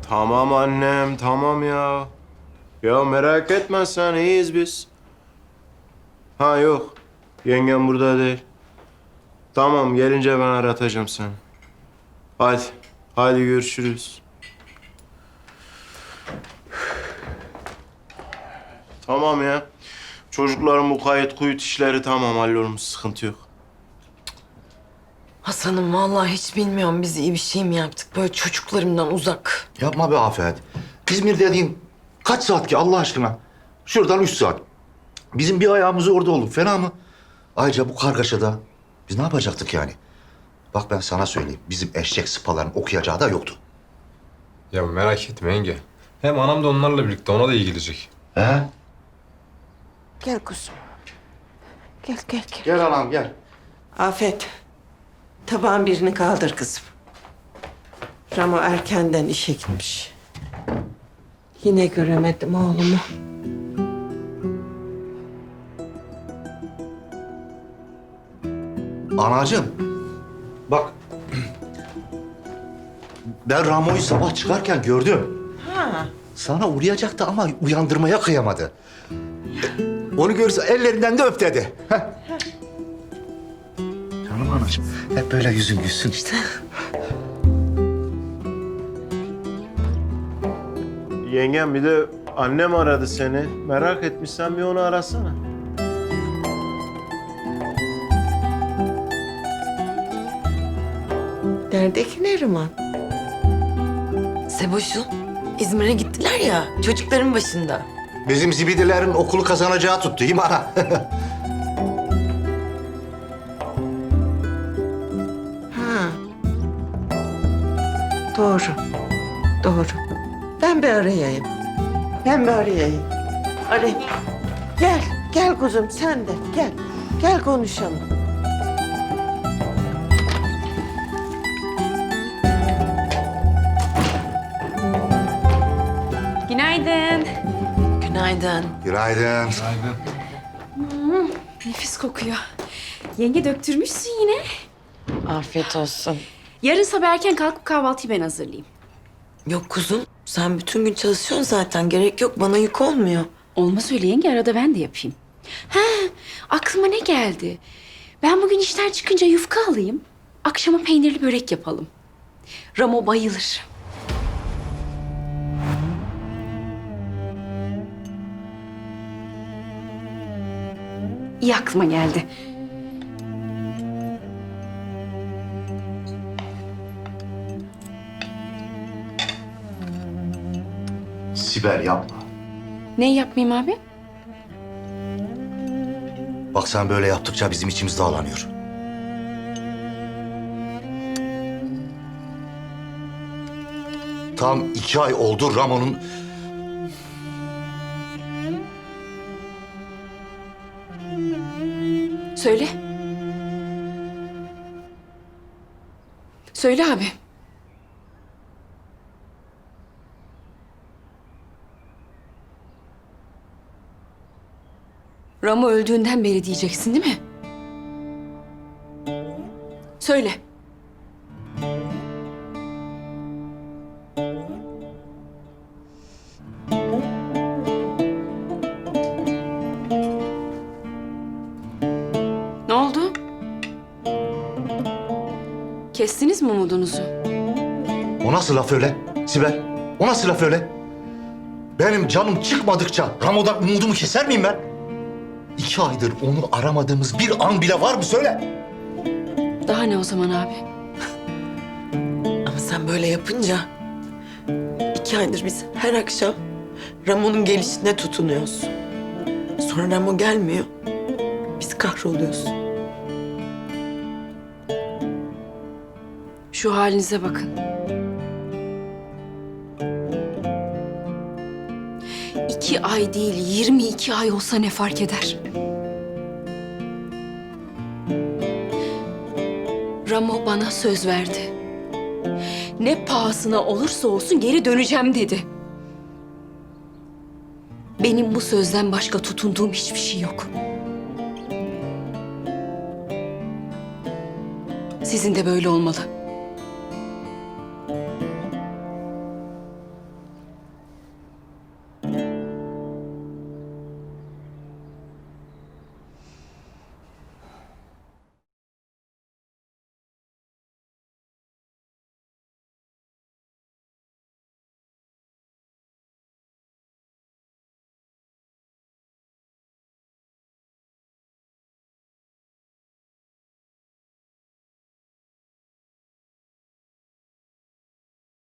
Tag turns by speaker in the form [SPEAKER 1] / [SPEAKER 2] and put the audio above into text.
[SPEAKER 1] Tamam annem, tamam ya. Ya merak etme sen, iyiyiz biz. Ha yok, yengem burada değil. Tamam, gelince ben aratacağım seni. Hadi, hadi görüşürüz. Tamam ya. Çocukların bu kayıt kuyut işleri tamam, hallolmuş, sıkıntı yok.
[SPEAKER 2] Hasan'ım vallahi hiç bilmiyorum biz iyi bir şey mi yaptık böyle çocuklarımdan uzak.
[SPEAKER 3] Yapma be Afet. İzmir dediğin kaç saat ki Allah aşkına? Şuradan 3 saat. Bizim bir ayağımız orada olur. Fena mı? Ayrıca bu kargaşada biz ne yapacaktık yani? Bak ben sana söyleyeyim. Bizim eşek sıpaların okuyacağı da yoktu.
[SPEAKER 4] Ya merak etme yenge. Hem anam da onlarla birlikte, ona da iyi gelecek.
[SPEAKER 3] He?
[SPEAKER 5] Gel kuzum. Gel gel gel.
[SPEAKER 3] Gel anam gel.
[SPEAKER 5] Afet. Tabağın birini kaldır kızım. Ramo erkenden işe gitmiş. Yine göremedim oğlumu.
[SPEAKER 3] Anacığım. Bak. Ben Ramo'yu sabah çıkarken gördüm.
[SPEAKER 5] Ha.
[SPEAKER 3] Sana uğrayacaktı ama uyandırmaya kıyamadı. Onu görürse ellerinden de öp dedi. Heh. Canım anacığım. Hep böyle yüzün gülsün işte.
[SPEAKER 1] Yengem, bir de annem aradı seni. Merak etmişsen bir onu arasana.
[SPEAKER 5] Nerede ki Neriman?
[SPEAKER 2] Seboş'un İzmir'e gittiler ya çocukların başında.
[SPEAKER 3] Bizim zibidilerin okulu kazanacağı tuttu değil mi ana?
[SPEAKER 5] Ha. Doğru. Doğru. Ben bir arayayım. Ben bir arayayım. Arayayım. Gel. Gel kuzum sen de. Gel. Gel konuşalım.
[SPEAKER 6] Günaydın.
[SPEAKER 2] Günaydın.
[SPEAKER 3] Günaydın.
[SPEAKER 6] Nefis kokuyor. Yenge döktürmüşsün yine.
[SPEAKER 2] Afiyet olsun.
[SPEAKER 6] Yarın sabah erken kalkıp kahvaltıyı ben hazırlayayım.
[SPEAKER 2] Yok kuzum sen bütün gün çalışıyorsun zaten gerek yok bana yük olmuyor.
[SPEAKER 6] Olmaz öyle yenge, arada ben de yapayım. Ha, aklıma ne geldi? Ben bugün işten çıkınca yufka alayım. Akşama peynirli börek yapalım. Ramo bayılır. İyi aklıma geldi.
[SPEAKER 3] Sibel yapma.
[SPEAKER 6] Ne yapmayayım abi?
[SPEAKER 3] Bak sen böyle yaptıkça bizim içimiz dağlanıyor. Tam 2 ay oldu Ramon'un...
[SPEAKER 6] Söyle. Söyle abi. Ramo öldüğünden beri diyeceksin değil mi? Söyle. Ne oldu? Kestiniz mi umudunuzu?
[SPEAKER 3] O nasıl laf öyle Sibel? O nasıl laf öyle? Benim canım çıkmadıkça Ramo'dan umudumu keser miyim ben? 2 aydır onu aramadığımız bir an bile var mı söyle?
[SPEAKER 6] Daha ne o zaman abi?
[SPEAKER 2] Ama sen böyle yapınca 2 aydır biz her akşam Ramon'un gelişine tutunuyoruz. Sonra Ramo gelmiyor. Biz kahroluyoruz.
[SPEAKER 6] Şu halinize bakın. 2 ay değil, 22 ay olsa ne fark eder? Ramo bana söz verdi. Ne pahasına olursa olsun geri döneceğim dedi. Benim bu sözden başka tutunduğum hiçbir şey yok. Sizin de böyle olmalı.